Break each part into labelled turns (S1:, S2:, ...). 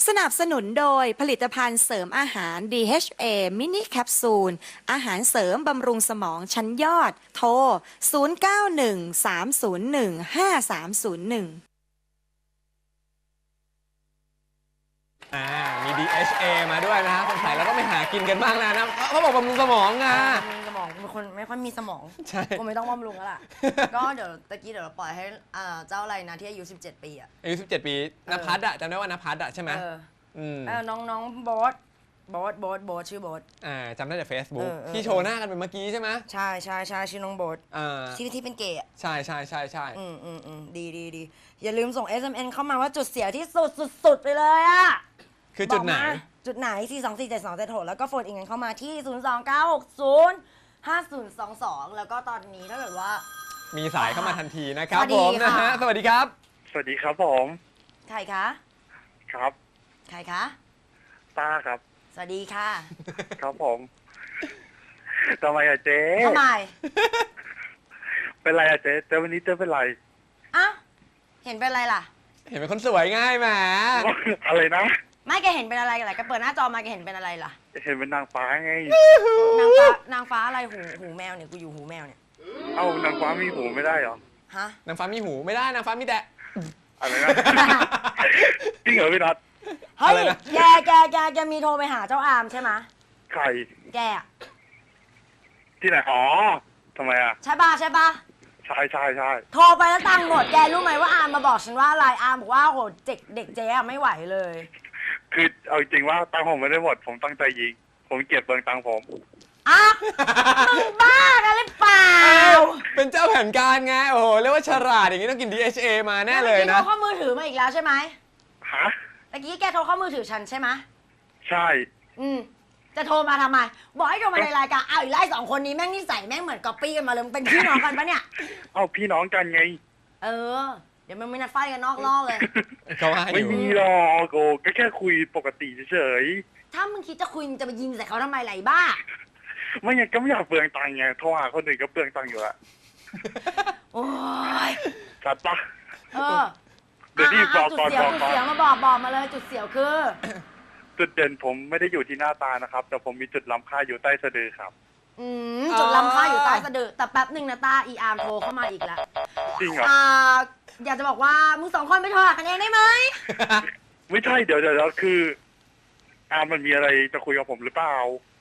S1: สนับสนุนโดยผลิตภัณฑ์เสริมอาหาร DHA มินิแคปซูลอาหารเสริมบำรุงสมองชั้นยอด โทร 0913015301
S2: มี DHA มาด้วยนะฮะคนขายแล้วก็ไปหากินกันบ้างแล้วนะเขาบอกบำรุงสมองอ่ะ
S3: บำรุงสมองเป็นคนไม่ค่อยมีสมอง
S2: ใช่
S3: กูไม่ต้องบำรุงแล้วล่ะ ก็เดี๋ยวตะกี้เดี๋ยวเราปล่อยให้เจ้าอะไรนะที่อายุ17 ปีอ่ะ
S2: อายุ17 ปีนภัสอะจำได้ว่านภัสอะใช่ไหม
S3: น้องโบ๊ทชื่อโบ๊ท
S2: จำได้แต่ Facebook ที่โชว์หน้ากันเป็นเมื่อกี้ใช่ไหม
S3: ใช่ชื่อน้องโบ๊ทที่เป็นเกย์
S2: ใช่
S3: ดีอย่าลืมส่ง SMN เข้ามาว่าจุดเสียที่สุดไปเลยอ่ะ
S2: คือจุดไหน
S3: จุดไหน4247276แล้วก็โฟนอีกเงินเข้ามาที่029605022แล้วก็ตอนนี้ถ้าเกิดว่า
S2: มีสายเข้ามาทันทีนะครับผมนะฮะสวัสดีครับ
S4: สวัสดีครับผม
S3: ใครคะ
S4: ครับ
S3: ใครคะ
S4: ป้าครับ
S3: สวัสดีค่ะ
S4: ครับผมทำไมอะเจ๊
S3: ทำไม
S4: เป็นไรอะเจ๊วันนี้เจ๊เป็นไร
S3: อ้าวเห็นเป็นอะไรล่ะ
S2: เห็นเป็นคนสวยง่ายแหม
S4: อะไรนะ
S3: ไม่แกเห็นเป็นอะไรกันล่ะแกเปิดหน้าจอมาแกเห็นเป็นอะไรล่ะ
S4: เห็นเป็นนางฟ้าไง
S3: นางฟ้าอะไรหูแมวเนี่ยกูอยู่หูแมวเนี่ย
S4: เอ้านางฟ้ามีหูไม่ได้เหรอ
S3: ฮะ
S2: นางฟ้ามีหูไม่ได้นางฟ้ามีแต่
S4: อะไรนะจริงเหรอพี่นัท
S3: เฮ้ยแกมีโทรไปหาเจ้าอามใช่ไหม
S4: ใคร
S3: แก
S4: ที่ไหนอ๋อทำไมอะ
S3: ใช่ป่ะ
S4: ใช่
S3: โทรไปแล้วตังค์หมดแกรู้ไหมว่าอามมาบอกฉันว่าอะไรอามบอกว่าโหเด็กเจ๊ไม่ไหวเลย
S4: คือเอาจริงว่าตังค์ผมไม่ได้หมดผมตั้งใจยิงผมเก็บเบิงตังค์ผม
S3: อ้าวมึงบ้ากันหรือเปล่า
S2: เป็นเจ้าแผนการไงโอ้โหเรียกว่าฉลาดอย่างนี้ต้องกิน DHA มาแน่เลยนะ
S3: โทรเข้ามือถือมาอีกแล้วใช่ไหม
S4: ฮะ
S3: เมื่อกี้แกโทรเข้ามือถือฉันใช่ไหม
S4: ใช่
S3: จะโทรมาทำไมบอกให้โทรมาในรายการอ้าวอีไล่2 คนนี้แม่งนิสัยแม่งเหมือนก๊อปปี้กันมาเลยเป็นพี่น้องกันปะเนี่ย
S4: เอ้าพี่น้องกันไง
S3: เดี๋ยวมันมีนัดไฟกันนอกรอบเลย
S2: เขาให้
S4: ไม่มีหรอกโอ้ก็แค่คุยปกติเฉย
S3: ถ้ามึงคิดจะคุยมึงจะไปยิงใส่เขาทำไมไหลบ้า
S4: ไม่งั้นก็ไม่อยากเปลืองตังค์ไงโทรหาคนอื่นก็เปลืองตังค์อยู่ละ
S3: โอ้ย
S4: ชัดปะ
S3: เดี๋ยวนี่บอกก่อนจุดเสียวมาบอกมาเลยจุดเสียวคือ
S4: จุดเด่นผมไม่ได้อยู่ที่หน้าตานะครับแต่ผมมีจุดล้ำค่าอยู่ใต้สะดือครับ
S3: จุดล้ำค่าอยู่ใต้สะดือแต่แป๊บหนึ่งนะตาอีอาร์มโทรเข้ามาอีกแล้ว
S4: จริงเหรอ
S3: อยากจะบอกว่ามึง2 คนไปโทรหากันเองได้ไหม
S4: ไม่ใช่เดี๋ยวคือมันมีอะไรจะคุยกับผมหรือเปล่า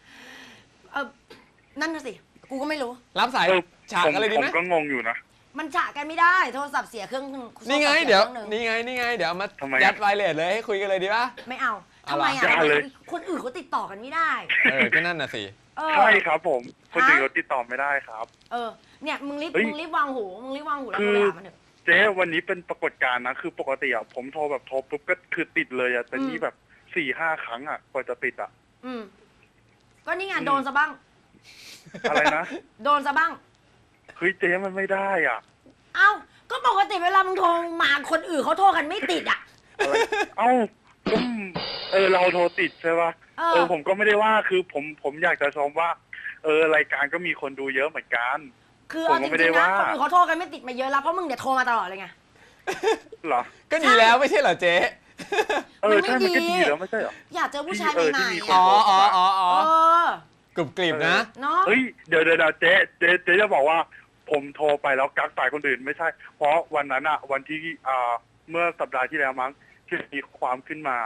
S3: นั่นน่ะสิกูก็ไม่รู้
S2: รับสายฉากอะไรดีไหม
S4: ผมก็งงอยู่นะ
S3: มันฉากกันไม่ได้โทรศัพท์เสียเครื่อง
S2: นี่ไงเดี๋ยวเอามายัดไวเลสเลยให้คุยกันเลยดีป่ะ
S3: ไม่เอาทำไมคนอื่นเขาติดต่อกันไม่ได้
S2: ก็นั่นน่ะสิ
S4: ใช่ครับผมคนอื่นเขาติดต่อไม่ได้ครับ
S3: เนี่ยมึงรีบวางหูแล้วโทรหามันเถอะ
S4: เจ๊วันนี้เป็นปรากฏการณ์นะคือปกติผมโทรแบบโทรปุ๊บก็คือติดเลยแต่นี่แบบ4-5 ครั้งกว่าจะติด
S3: ก็นี่ไงโดนซะบ้าง
S4: อะไรนะ
S3: โดนซะบ้าง
S4: เฮ้ยเจ๊มันไม่ได้
S3: เอ้าก็ปกติเวลามึงโทรมาคนอื่นเขาโทรกันไม่ติด
S4: เอ้าเราโทรติดใช่ป่ะผมก็ไม่ได้ว่าคือผมอยากจะชมว่ารายการก็มีคนดูเยอะเหมือนกัน
S3: คือผมไม่ได้ว่าคนอื่นเขาโทรกันไม่ติดมาเยอะแล้วเพราะมึงเดี๋ยวโทรมาตลอดเลยไง
S4: เหรอ
S2: ก็ดีแล้วไม่ใช่เหรอเจ๊
S4: ใช่มันก็ดีแล้วไม่ใช่เหรอ
S3: อยากเจอผู้ชายใหม่
S2: ๆกรุบกริบนะ
S4: เฮ้ยเดี๋ยวเจ๊จะบอกว่าผมโทรไปแล้วกักสายคนอื่นไม่ใช่เพราะวันนั้นวันที่เมื่อสัปดาห์ที่แล้วมั้งที่มีความขึ้นมา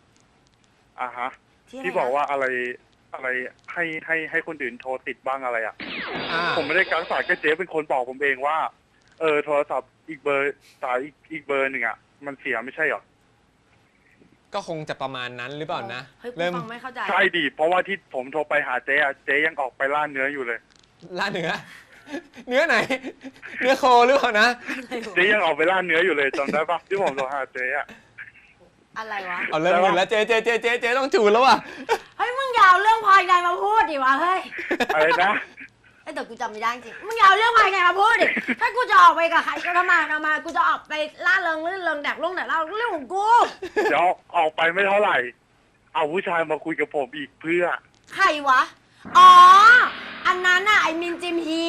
S4: ที่บอกว่าอะไรให้คนอื่นโทรติดบ้างอะไรผมไม่ได้กักสายก็เจ๊เป็นคนบอกผมเองว่าโทรศัพท์อีกเบอร์สายอีกเบอร์หนึ่งมันเสียไม่ใช่หรอ
S2: ก็คงจะประมาณนั้นหรือเปล่านะ
S3: เริ่มไม่เข้าใจ
S4: ใช่ดิเพราะว่าที่ผมโทรไปหาเจ๊ยังออกไปล่าเนื้ออยู่เลย
S2: ล่าเนื้อไหนเนื้อโคหรือเปล่านะ
S4: เจ๊ยังออกไปล่าเนื้ออยู่เลยจำได้ปะที่ผมโทรหาเจ๊
S3: อะไรวะ
S2: เอาเริ่มหมดแล้วเจ๊ต้องจูนแล้วว่ะ
S3: เฮ้ยมึงอย่าเอาเรื่องภายในมาพูดดิวะเฮ้ย
S4: อะไรนะ
S3: แต่กูจำไม่ได้จริงมึงอย่าเอาเรื่องภายในมาพูดดิถ้ากูจะออกไปกับใครก็ทำไมกูจะออกไปล่าเริงลื่นเริงแดกเล่าเรื่องของกู
S4: เดี๋ยวออกไปไม่เท่าไหร่เอาผู้ชายมาคุยกับผมอีกเพื่อ
S3: ใครวะอ๋ออันนั้นไอ้มินจิมฮี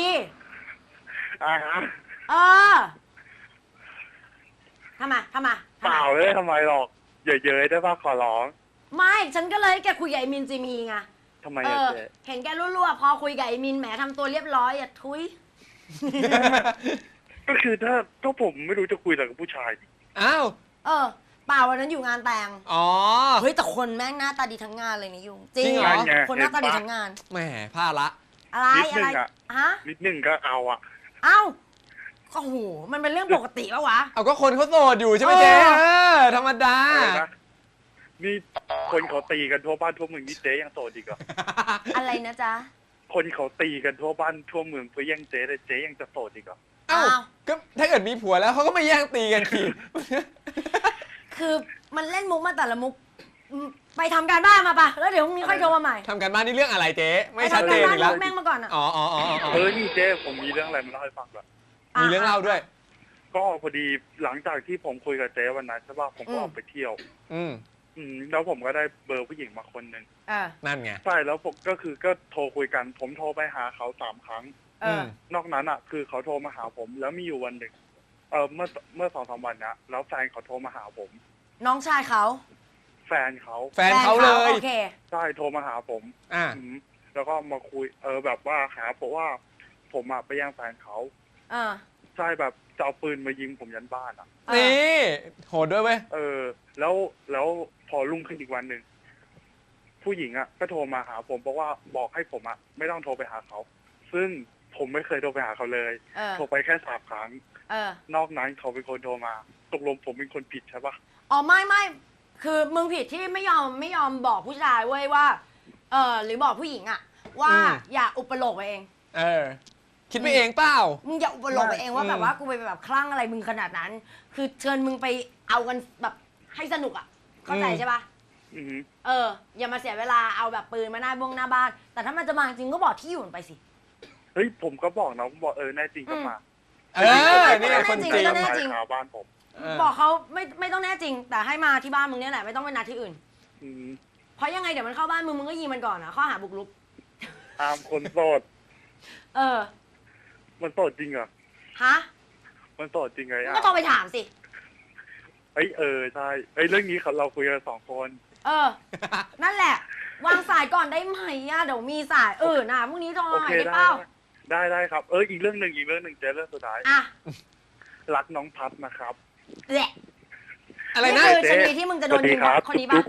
S4: ทำไมเปล่าเลยทำไมหรอกอย่าเย้ยได้ป่ะขอร้อง
S3: ไม่ฉันก็เลยให้แกคุยกับไอ้มินจีมีไง
S4: ทำไมอะเจ๊
S3: เห็นแกรั่วๆพอคุยกับไอ้มินแหมทำตัวเรียบร้อยอ่ะทุย
S4: ก็คือถ้าผมไม่รู้จะคุยอะไรกับผู้ชายดิ
S2: อ้าว
S3: เปล่าวันนั้นอยู่งานแต่ง
S2: อ๋อ
S3: เฮ้ยแต่คนแม่งหน้าตาดีทั้งงานเลยนี่ยุง
S2: จริงเหรอ
S3: คนหน้าตาดีทั้งงาน
S2: แหมพลาดละ
S3: อะไร
S4: นิด
S3: อะ
S4: นึ
S3: ไรง
S4: อะ
S3: ฮะ
S4: นิดนึงก็เอาอะ
S3: เอ้าก็โหมันเป็นเรื่องปกติปะวะ
S2: เอาก็คนเขาโสดอยู่ใช่ไหมเจ๊ ธรรมดา
S4: อะไรนะนี่คนเขาตีกันทั่วบ้านทั่วเมืองนี่เจ๊ยังโสดอีกเหรอ
S3: อะไรนะจ๊ะ
S4: คนเขาตีกันทั่วบ้านทั่วเมืองเพื่อแย่งเจ๊เลยเจ๊ยังจะโสดอีกเหรอ
S2: เอ้า
S3: อ้าว
S2: ก็ถ้าเกิดมีผัวแล้วเขาก็ไม่แย่งตีกันที
S3: คือมันเล่นมุกมาแต่ละมุกไปทำการบ้านมาปะแล้วเดี๋ยวพรุ่งนี้ค่อยโทรมาใหม่
S2: ทำกันบ้านนี่เรื่องอะไรเจ๊ ไม่
S3: ไป
S2: ชัด
S3: ทำ
S2: เจ
S3: การ
S2: น
S3: บ้าน
S2: อีกแล้ว
S3: มุกแม่งมาก่อนอ่ะ
S2: อ๋ออ๋ออ๋ออ๋อ
S4: นี่เจ๊ผมมีเรื่องอะไรมาเล่าให้ฟังก่อน
S2: มีเรื่องเล่าด้วย
S4: ก็พอดีหลังจากที่ผมคุยกับเจ๊วันนั้นใช่ป่ะผมก็ออกไปเที่ยว
S2: อืม
S4: แล้วผมก็ได้เบอร์ผู้หญิงมาคนหนึ่ง
S2: นั่นไง
S4: ใช่แล้วผมก็โทรคุยกัน ผมโทรไปหาเขา3 ครั้ง
S2: อืม
S4: นอกนั้นอ่ะ คือเขาโทรมาหาผม แล้วมีอยู่วันหนึ่งเมื่อ2-3 วันนะแล้วแฟนเขาโทรมาหาผม
S3: น้องชายเขา
S4: แฟนเขา
S2: แฟนเขาเลย
S3: โอเค
S4: ใช่โทรมาหาผม
S2: อ่า
S4: อืมแล้วก็มาคุยแบบว่าหาผมว่าผมอ่ะไปแย่งแฟนเขา
S3: เออ
S4: ใช่แบบจะเอาปืนมายิงผมยันบ้านอ่ะ
S2: นี่ โหดด้วยเว้ย
S4: แล้วพอรุ่งขึ้นอีกวันหนึ่งผู้หญิงอ่ะก็โทรมาหาผมบอกให้ผมอ่ะไม่ต้องโทรไปหาเขา ซึ่งผมไม่เคยโทรไปหาเขาเลย โทรไปแค่3 ครั้ง นอกนั้นเขาเป็นคนโทรมา ตกลงผมเป็นคนผิดใช่ปะ
S3: อ๋อไม่คือมึงผิดที่ไม่ยอมบอกผู้ชายเว้ยว่าหรือบอกผู้หญิงอะว่า
S2: อืม
S3: อย่าอุปโลกไปเอง
S2: คิดไปเองเปล่า
S3: มึงอย่าอุปโลกไปเองว่า
S2: อืม
S3: แบบว่ากูไปแบบคลั่งอะไรมึงขนาดนั้น คือเชิญมึงไปเอากันแบบให้สนุกอะเข้าใจใช่ปะ
S4: อือหือ
S3: อย่ามาเสียเวลาเอาแบบปืนมาหน้าบ้าน แต่ถ้ามันจะมาจริงก็บอกที่อยู่มันไปสิ
S4: เฮ้ยผมก็บอกนะผมบอกแน่จริงก็มา
S2: นี่ไงคนจริง
S3: ไม่ต้องแน่จริง
S4: ขาวบ้านผม
S3: บอกเขาไม่ต้องแน่จริง แต่ให้มาที่บ้านมึงเนี่ยแหละไม่ต้องไปนัดที่อื่น
S4: อืม
S3: เพราะยังไงเดี๋ยวมันเข้าบ้านมึงก็ยิงมันก่อนนะข้อหาบุกรุก
S4: ตามคนโสด มันโสดจริงเหรอ
S3: ฮะ
S4: มันโสดจริงไง
S3: มึง
S4: อ่ะ
S3: ก็โทรไปถามสิ
S4: ใช่เรื่องนี้เราคุยกัน2 คน
S3: นั่นแหละ วางสายก่อนได้ไหมอะเดี๋ยวมีสายนะพรุ่งนี้โทร
S4: โอ
S3: มาให
S4: เค
S3: ม่ได้เปล่า
S4: ได้ครับอีกเรื่องหนึ่งเจ๊เรื่องสุดท้าย
S3: อ่ะ
S4: รักน้องพัดนะครับ
S3: แหละ
S2: อะไร
S3: นี่
S2: นะ
S3: คือชนีที่มึงจะโดนยิงกับคนนี้ป่ะ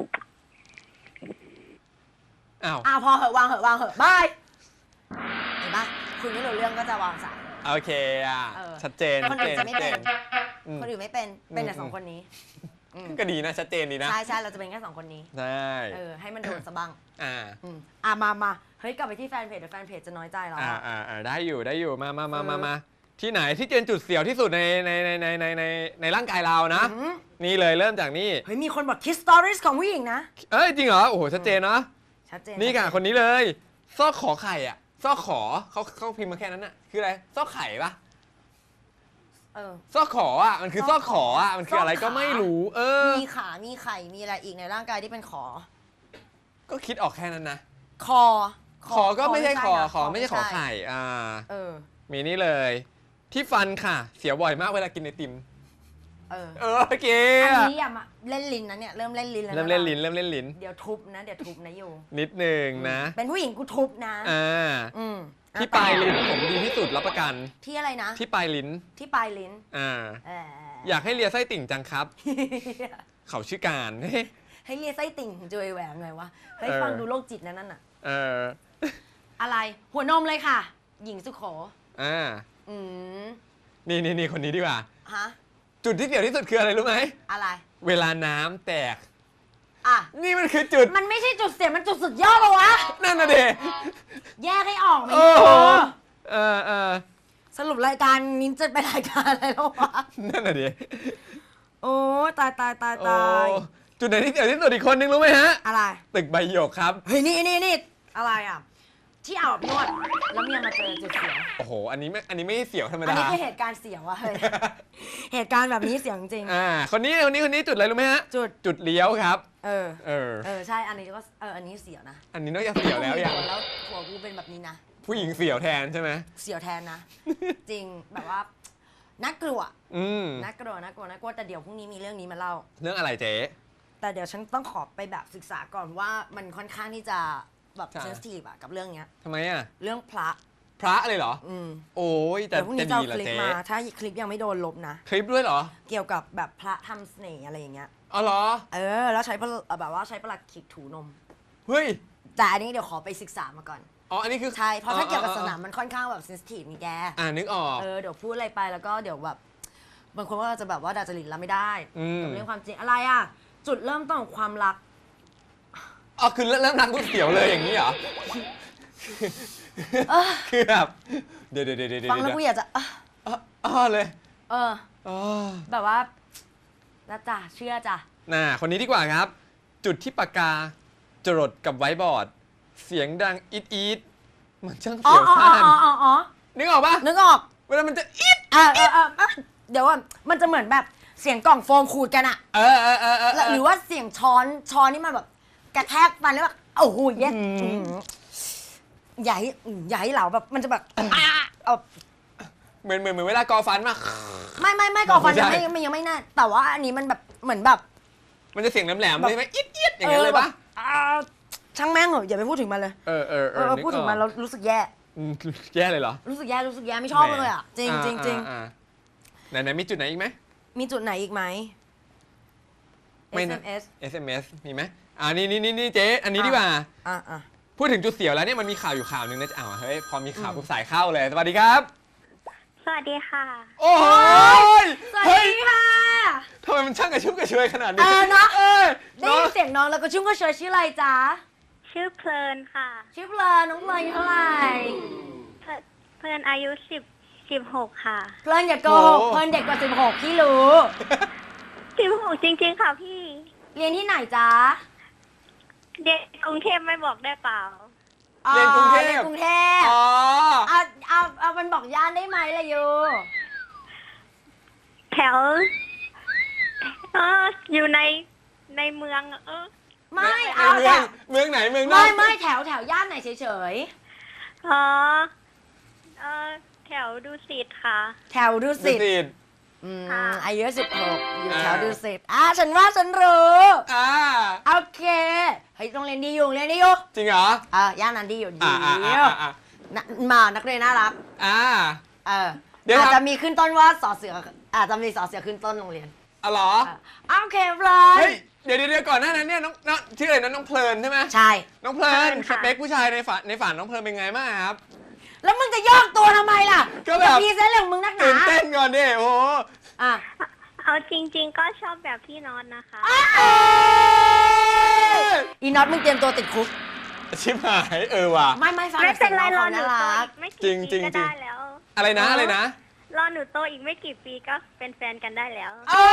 S2: อ้าว
S3: พอเหอะวางเหอะบายเห็นป่ะคุณไม่รู้เรื่องก็จะวางสาย
S2: โอเคชัดเจน
S3: คนอื่นจะไม่เป็น
S2: อืม
S3: คนอื่นไม่เป็นแต่2 คนนี้
S2: ก็ดีนะ ชัดเจนดีนะ
S3: ใช่เราจะเป็นแค่2 คนนี้
S2: ใช่
S3: ให้มันโดนซะบ้าง
S2: อ่า
S3: มาเฮ้ยกลับไปที่แฟนเพจเดี๋ยวแฟนเพจจะน้อยใจเรา
S2: ได้อยู่มาที่ไหนที่เป็นจุดเสียวที่สุดในร่างกายเรานะ นี่เลยเริ่มจากนี่
S3: เฮ้ยมีคนบอกคิสสตอรี่ของผู้หญิงนะ
S2: จริงเหรอโอ้โหชัดเจนเนาะ
S3: ชัดเจน
S2: นี่ค่ะคนนี้เลยซอกขอไข่อ่ะซอกขอเขาพิมพ์มาแค่นั้นน่ะคืออะไรซอกไข่ปะซอกขออ่ะมันคือซอกขออ่ะมันคืออะไรก็ไม่รู้
S3: มีขามีไข่มีอะไรอีกในร่างกายที่เป็นขอ
S2: ก็คิดออกแค่นั้นนะ
S3: ขอ
S2: ขอก็ไม่ใช่ขอ
S3: นะ
S2: ขอไม่ใช่ขอไข่
S3: เออ
S2: มีนี่เลย ที่ฟันค่ะ เสียบ่อยมากเวลากินไอติม โอเค
S3: อันนี้อย่ามาเล่นลิ้นนะเนี่ยเริ่มเล่นลิ้นแล้ว
S2: เริ่มเล่นลิ้นเริ่มเล่นลิ้น
S3: เดี๋ยวทุบนะอยู่
S2: นิดนึงนะ
S3: เป็นผู้หญิงกูทุบนะ
S2: ที่ปลายลิ้นผมดีที่สุดรับประกัน
S3: ที่อะไรนะ
S2: ที่ปลายลิ้น
S3: ที่ปลายลิ้น
S2: อยากให้เลียไส้ติ่งจังครับ เขาชื่อการ
S3: ให้เลียไส้ติ่งจุยแหวนหน่อยวะเฮ้ยฟังดูโรคจิตนั่นน่ะอะไรหัวนมเลยค่ะ หญิงสุโข
S2: นี่คนนี้ดีกว่า
S3: ฮะ
S2: จุดที่เสียวที่สุดคืออะไรรู้ไหม
S3: อะไร
S2: เวลาน้ำแตก
S3: อ่ะ
S2: นี่มันคือจุด
S3: มันไม่ใช่จุดเสียมันจุดสุดยอดเลยวะ
S2: นั่นน่ะเด
S3: แยกให้ออกไหมสรุปรายการนี้จะเป็นรายการอะไรแล้ววะ
S2: นั่นน่ะเด
S3: โอ้ตาย
S2: จุดไหนที่เสียวที่สุดอีกคนนึงรู้ไหมฮะ
S3: อะไร
S2: ตึกใบหยกครับ
S3: เฮ้ยนี่อะไรอ่ะที่อาบนวดแล้วเมียมาเจอจุดเสียว
S2: โอ้โหอันนี้ไม่ใช่เสียวธรรม
S3: อัน
S2: ดา
S3: นี้คือเหตุการณ์เสียวอะเฮ้ย เหตุการณ์แบบนี้เสียวจริง
S2: คนนี้จุดอะไรรู้ไหมฮะ จุดเลี้ยวครับ
S3: ใช่อันนี้ก็อันนี้เสียวนะ
S2: อันนี้นอกจากเสียวแล้วอย่าง
S3: แล้วหัวกูเป็นแบบนี้นะ
S2: ผู้หญิงเสียวแทนใช่ไหม
S3: เสียวแทนนะ จริงแบบว่าน่ากลัวน่ากลัวแต่เดี๋ยวพรุ่งนี้มีเรื่องนี้มาเล่า
S2: เรื่องอะไรเจ๊
S3: แต่เดี๋ยวฉันต้องขอไปแบบศึกษาก่อนว่ามันค่อนข้างที่จะแบบ
S2: ใช่
S3: เซนซิทีฟอะกับเรื่องเนี้ย
S2: ทำไมอ่ะ
S3: เรื่องพระ
S2: พระเลยเหรอ โอ้ยแต่
S3: เดี๋ยวพรุ่ง
S2: จะ
S3: นี้จะ
S2: ดี
S3: เอา
S2: เหรอ
S3: คลิป
S2: เจ๊
S3: มาถ้าคลิปยังไม่โดนลบนะ
S2: คลิปด้วยเหรอ
S3: เกี่ยวกับแบบพระทำเสน่ห์อะไรอย่างเงี้ย
S2: อ๋อเหรอ
S3: แล้วใช้แบบว่าใช้ประหลัดขิกถูนม
S2: เฮ้ย
S3: แต่อันนี้เดี๋ยวขอไปศึกษามาก่อน
S2: อ๋ออันนี้คือ
S3: ใช่เพราะถ้าเกี่ยวกับศาสนามันค่อนข้างแบบเซนซิทีฟนี่แก
S2: นึกออก
S3: เดี๋ยวพูดอะไรไปแล้วก็เดี๋ยวแบบบางคนก็จะแบบว่าดาจริตแล้วไม่ได้
S2: อืม
S3: กับเรื่องความจริงอะไรอ่ะ จุดเริ่มต้นของความรัก
S2: อ๋อคือเริ่มรักก๋วยเตี๋ยวเลยอย่างนี้เหรอ คือแบบเดี๋ยว
S3: ฟังแล้วกูอยากจะ
S2: อ๋อเลย อ๋อ
S3: แบบว่าแล้วจ้ะเชื่อจ้ะ
S2: คนนี้ดีกว่าครับ จุดที่ปากกาจรดกับไวท์บอร์ด เสียงดังอีดมันช่าง
S3: อ๋อ
S2: เสียว
S3: อ๋อ
S2: ซ่าน
S3: อ๋อ
S2: นึกออกปะ
S3: นึกออก
S2: เวลามันจะอีด
S3: เดี๋ยวว่ามันจะเหมือนแบบเสียงกล่องโฟมขูดกันอะ หรือว่าเสียงช้อนนี่มันแบบกระแทกฟันแล้วแบบโอ้โหเย็ดใหญ่เหลาแบบมันจะแบบเอา
S2: เหมือนเวลากอฟันมา
S3: ไม่ก่อนฟัน
S2: ไม่
S3: ยัง
S2: ใช่
S3: ยังไม่น่าแต่ว่าอันนี้มันแบบเหมือนแบบ
S2: มันจะเสียงแหลมๆเลยไหมอีดอย่างนั้นเลยปะ
S3: ช่างแม่งเหอะอย่าไปพูดถึงมันเลย พูดถึงมันเรารู้สึกแย่
S2: แย่เลยเหรอ
S3: รู้สึกแย่ไม่ชอบเลยอ่ะจริง
S2: ไหนมีจุดไหนอีกไหม
S3: มีจุดไหนอีกไหม
S2: ไม่นะ
S3: SMS
S2: SMS มีไหมนี่เจ๊อันนี้ดีกว่า พูดถึงจุดเสียวแล้วเนี่ยมันมีข่าวอยู่ข่าวหนึ่งนะเฮ้ยพอมีข่าวปุ๊บสายเข้าเลยสวัสดีครับ
S5: สวัสดีค่ะ
S2: โอ้ย
S3: สวัสดีค่ะ
S2: ทำไมมันช่างกระชุ่มกระชวยขนาดนี้
S3: เนาะ ได้
S2: เนาะ
S3: ยินเสียงน้องแล้วก็ชุ่มก็เชยชื่ออะไรจ๊ะ
S5: ชื่อเพลินค่ะ
S3: ชื่อเพลินน้องเพลินอายุเท่าไหร่
S5: เพลินอายุ16 ค่ะ
S3: เพลินอย่าโกหกเพลินเด็กกว่า16พี่รู้
S5: 16 จริงๆค่ะพี่
S3: เรียนที่ไหนจ๊ะ
S5: เด็กกรุงเทพไม่บอกได้เปล่า
S2: เรียนกรุงเทพ
S3: เรียนกรุงเทพ
S2: อ๋อ
S3: เอามันบอกย่านได้ไหมล่ะยู
S5: แถวอยู่ในเมือง
S3: ไม่
S2: ใน
S3: เอา
S2: เมืองไหนเมืองนอก
S3: ไม่แถวย่านไหนเฉย
S5: อ๋อแถวดุสิตค่ะ
S3: ๆแถวดุ
S2: ดุ
S3: สิต
S2: สิต
S3: อายุ16อยู่แถวดุสิตฉันว่าฉันรู้ โอเคเฮ้ยโรงเรียนดีอยู่โรงเรียนดีอยู่
S2: จริงเหร
S3: ย่านนั้นดีอยู่ดี
S2: อ่า
S3: นักเรียนน่ารัก
S2: เดี๋ยว
S3: อาจจะมีขึ้นต้นว่าสอเสืออาจจะมีสอเสือขึ้นต้นโรงเรียน
S2: เหรอ
S3: โอเคเพลิ
S2: เฮ้
S3: น
S2: ยเดี๋ยวก่อนหน้านั้นเนี่ยน้องชื่ออะไรนะน้องเพลินใช่ไหม
S3: ใช่
S2: น้องเพลิน
S5: ค่ะ
S2: สเปคผู้ชายในฝันน้องเพลินเป็นไงบ้างครับ
S3: แล้วมึงจะยอกตัวทำไมล่ะ
S2: ก็แบบ
S3: พีเซนเรื่องมึงนักหนา
S2: ตื่นเต้นก่อนดิโอ้โห
S5: เอาจริง ๆ ก็ชอบแบบพี่นอนนะคะ
S3: อีน็อตมึงเตรียมตัวติดคุก
S2: ชิบหายว่ะ
S3: ไม่ฟัง
S5: ไม่เป็นไรรอ
S3: สียง
S5: หนู
S3: น่า
S5: โต
S3: รั
S5: อี
S3: ก
S5: กไม่กี่
S2: จริง
S5: ปีก็
S2: จริง
S5: ได้แล้ว
S2: อะไรนะ
S5: รอหนูโตอีกไม่กี่ปีก็เป็นแฟนกันได้แล้ว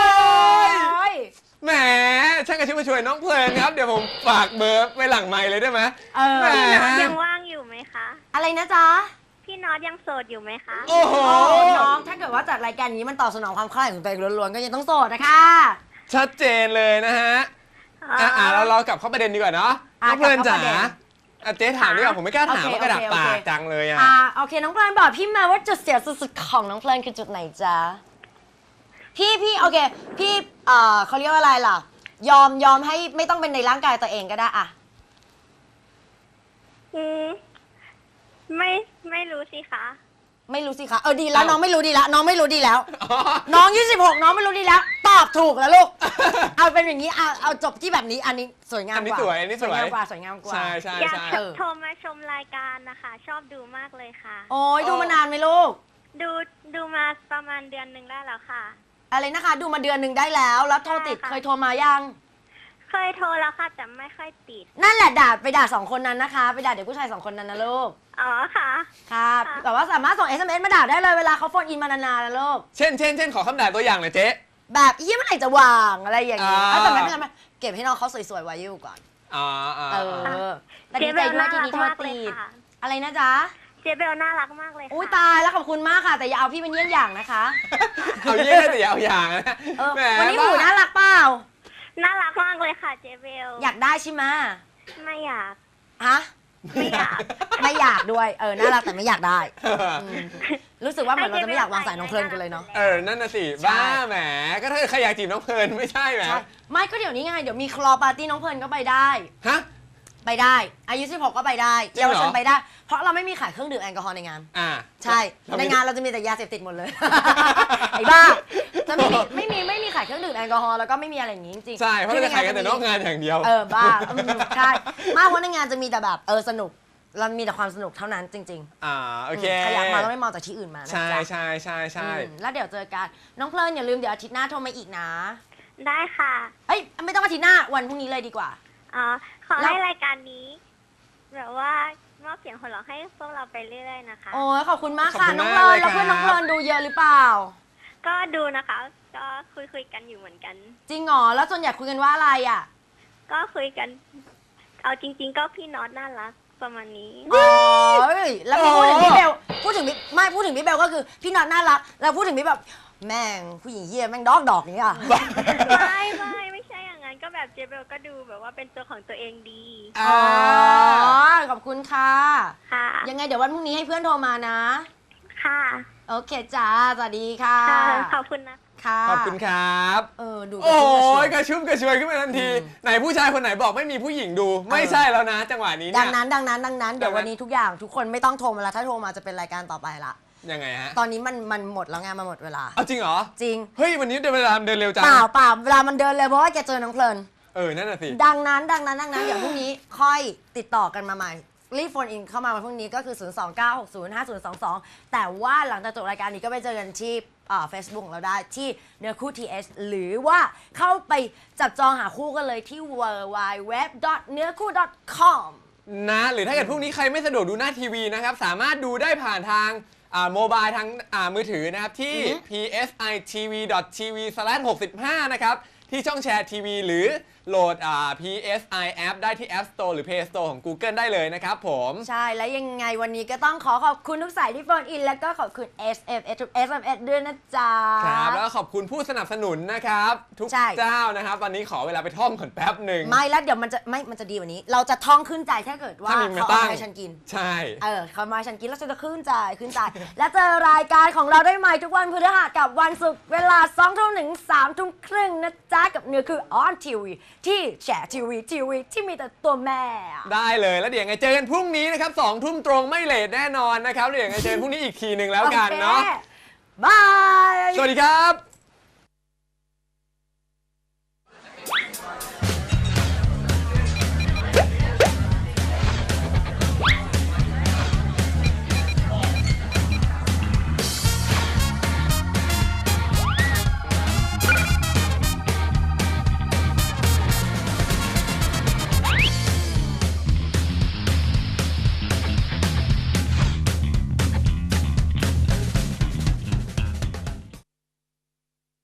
S2: แหมช่างกระชุ่มกระชวยน้องเพลินครับ เดี๋ยวผมฝากเบอร์ไว้หลังไมค์เลยได้ไหมแหม
S5: พี่น็อตยังว่างอยู่ไหมคะ
S3: อะไรนะจ๊ะ
S5: พี่น็อตยังโสดอยู่ไหมคะ
S2: โอ้โห
S3: น้องถ้าเกิดว่าจัดรายการนี้มันตอบสนองความใคร่ของตัวเองล้วนๆก็ยังต้องโสดนะคะ
S2: ชัดเจนเลยนะฮะเรากลับเข้าประเด็นดีกว่าเนาะน้องเพลินจ๋าเจ๊ถามดีกว่าผมไม่กล้าถามว่ากระดาษปากจังเลยอ่ะ
S3: โอเคน้องเพลินบอกพี่มาว่าจุดเสียสุดๆของน้องเพลินคือจุดไหนจ๊ะพี่โอเคพี่เขาเรียกว่าอะไรล่ะยอมให้ไม่ต้องเป็นในร่างกายตัวเองก็ได้อะ
S5: ไม่รู้สิคะ
S3: ไม่รู้สิคะดีแล้วน้องไม่รู้ดีแล้วน้องไม่รู้ดีแล้วน้อง26น้องไม่รู้ดีแล้วตอบถูกแล้วลูก เอาเป็นอย่างนี้เอาจบที่แบบนี้อันนี้สวยงามกว่า
S2: อันนี้สวย
S3: สวยงามกว่า
S2: ใช่
S5: อยากโทรมาชมรายการนะคะ ชอบดูมากเลยค่ะ
S3: โอ้ยดูมานานไหมลูก
S5: ดูมาประมาณเดือนหนึ่งได้แล้วค่ะ
S3: อะไรนะคะ ดูมาเดือนหนึ่งได้แล้วโทรติด
S5: ใช่ค่ะ
S3: เคยโทรมายัง
S5: เคยโทรแล้วค่ะแต่ไม่ค่อยติด
S3: นั่นแหละด่า2คนนั้นนะคะไปด่าเด็กผู้ชาย2คนนั้นนะลูก
S5: อ๋อค่ะ
S3: ค่ะแต่ว่าสามารถส่ง SMS มาด่าได้เลยเวลาเขาโฟนอินมานานๆนะลูก
S2: เช่นขอคำด่าตัวอย่างหน่อยเจ๊
S3: แบบเมื่อไหร่จะวางอะไรอย่างนี้
S2: อ่า
S3: แต่ไม่เป็นไรเก็บให้น้องเขาสวยๆไว้อยู่ก่อนแต่ดีใจด้วยที่นี่โทรติดอะไรนะจ๊ะ
S5: เจเบลน่ารักมากเลยค่ะ
S3: อุ้ยตายแล้วขอบคุณมากค่ะแต่อย่าเอาพี่เป็นเยี่ยงอย่างนะคะ
S2: เอาเยี่ยแต่อย่าเอาอย่างนะแหม
S3: วันนี้หมูน่ารักเปล่า
S5: น่ารักมากเลยค่ะเจเบล
S3: อยากได้ใช่ไหม
S5: ไม่อยาก
S3: ฮะ
S5: ไม่อยาก
S3: ไม่อยากด้วยน่ารักแต่ไม่อยากได้รู้สึกว่าเหมือนเราจะไม่อยากวางสายน้องเพลินกันเลยเนาะ
S2: นั่นน่ะสิบ้าแหมก็ถ้าใครอยากจีบน้องเพลินไม่ใช่แหม
S3: ใช่ไม่ก็เดี๋ยวนี้ไงเดี๋ยวมีคลอปาร์ตี้น้องเพลินก็ไปได้
S2: ฮะ
S3: ไปได้อายุ16ก็ไปได้
S2: จริงเหรอ
S3: เยาวชนไปได้ เพราะเราไม่มีขายเครื่องดื่มแอลกอฮอล์ในงาน ใช่ ในงานเราจะมีแต่ยาเสพติดหมดเลย ไอ้บ้าจะไม่มีขายเครื่องดื่มแอลกอฮอล์แล้วก็ไม่มีอะไรอย่างงี้จริงๆ
S2: ใช่เพราะเราจะขายกันแต่นอกงานอย่างเดียว
S3: บ้าใช่มากเพราะในงานจะมีแต่แบบสนุกเรามีแต่ความสนุกเท่านั้นจริงๆ
S2: โอเค
S3: ใครอยากมาต้องไม่มองจากที่อื่นมานะ
S2: ใช่
S3: จ๊ะ
S2: ใช่ใช่ใช่
S3: แล้วเดี๋ยวเจอกันน้องเพลินอย่าลืมเดี๋ยวอาทิตย์หน้าโทรมาอีกนะ
S5: ได้ค่ะ
S3: เอ้ยไม่ต้องอาทิตย์หน้าวันพรุ่งนี้เลยดีกว่า
S5: ขอให้รายการนี้แบบว่ามอบเสียงหัวเราะให้พวกเราไปเรื่อยๆนะคะ
S3: โอ้ยขอบคุณมากค่ะน้องเพลินแล้วเพื่อนน้องเพลินดูเยอะหรือเปล่า
S5: ก็ดูนะคะ ก็คุยกันอยู่เหมือนกัน
S3: จริงเหรอแล้วส่วนใหญ่คุยกันว่าอะไรอ่ะ
S5: ก็คุยกัน เอาจริง ๆ ก็พี่น็อตน่ารักประมาณนี้
S3: อ๋อแล้วพูดถึงพี่เบลพูดถึงพี่เบลก็คือพี่น็อตน่ารักแล้วพูดถึงพี่แบบแม่งผู้หญิงเหี้ยแม่งดอกอย่างเงี้ย
S5: ไม่ใช่อย่างนั้นก็แบบเจเบลก็ดูแบบว่าเป็นตัวของตัวเองดี
S3: อ๋อขอบคุณค่ะ
S5: ค่ะ
S3: ยังไงเดี๋ยววันพรุ่งนี้ให้เพื่อนโทรมานะ
S5: ค่ะ
S3: โอเคจ้าสวัสดีค่ะ
S5: ขอบคุณนะ
S3: ค่ะ
S2: ขอบคุณครับ
S3: ดู
S2: โอ้
S3: กระชุ่มกระชวย
S2: ยกระชุ่มกระชวยขึ้นมาทันที ไหนผู้ชายคนไหนบอกไม่มีผู้หญิงดู ไม่ใช่แล้วนะ จังหวะนี้
S3: ดั
S2: เนี่ย
S3: งนั้นเดี๋ยววันนี้ทุกอย่างทุกคนไม่ต้องโทรมาแล้วถ้าโทรมาจะเป็นรายการต่อไปละ
S2: ยังไงฮะ
S3: ตอนนี้มันหมดแล้วไงมันหมดเวลา
S2: เอาจริงเหรอ
S3: จริง
S2: เฮ้ยวันนี้เวลาเดินเร็วจัง
S3: เปล่าเวลามันเดินเลยเพราะว่าแกเจอน้องเพลิน
S2: นั่นน่ะสิ
S3: ดังนั้นเดี๋ยวพรุ่งนี้ค่อยติดต่อกันมาใหม่รีบโฟนอินเข้ามาวันพรุ่งนี้ก็คือ 029605022 แต่ว่าหลังจากจบรายการนี้ก็ไปเจอกันที่Facebook ของเราได้ที่เนื้อคู่ TH หรือว่าเข้าไปจับจองหาคู่กันเลยที่ www.neurคู่.com
S2: นะหรือถ้าเกิดพรุ่งนี้ใครไม่สะดวกดูหน้าทีวีนะครับสามารถดูได้ผ่านทางโมบายทางมือถือนะครับที่ psitv.tv/65 นะครับที่ช่องแชร์ทีวีหรือโหลดPSI App ได้ที่ App Store หรือ Play Store ของ Google ได้เลยนะครับผม
S3: ใช่แล้วยังไงวันนี้ก็ต้องขอบคุณทุกสายที่โฟนอินแล้วก็ขอบคุณ SMS ทุก SMS ด้วยนะจ๊ะ
S2: ครับแล้วก็ขอบคุณผู้สนับสนุนนะครับทุก
S3: ใช่
S2: เจ้านะครับตอนนี้ขอเวลาไปท่องก่อนแป๊บหนึ่ง
S3: ไม่แล้วเดี๋ยวมันจะดีกว่านี้ เราจะท่องขึ้นใจถ้าเกิดว่า
S2: ถ้ามีมา
S3: เขา
S2: ตั้
S3: เอา
S2: ง
S3: ให้ฉันกิน
S2: ใช่
S3: เขามาให้ฉันกินแล้วฉันจะขึ้นใจ และเจอรายการของเราได้ใหม่ทุกวันพฤหัสกับวันศุกร์เวลา 2 ทุ่มถึง 3 ทุ่มครึ่งนะจ๊ะกับเนื้อคือ On TV ที่แชร์ทีวีที่มีแต่ตัวแม่
S2: ได้เลยแล้วเดี๋ยวยังไงเจอกันพรุ่งนี้นะครับ2 ทุ่มตรงไม่เลทแน่นอนนะครับเดี๋ยวยังไงเจอกันพรุ่งนี้อีกทีหนึ่งแล้วกันเนาะ
S3: บาย
S2: สวัสดีครับ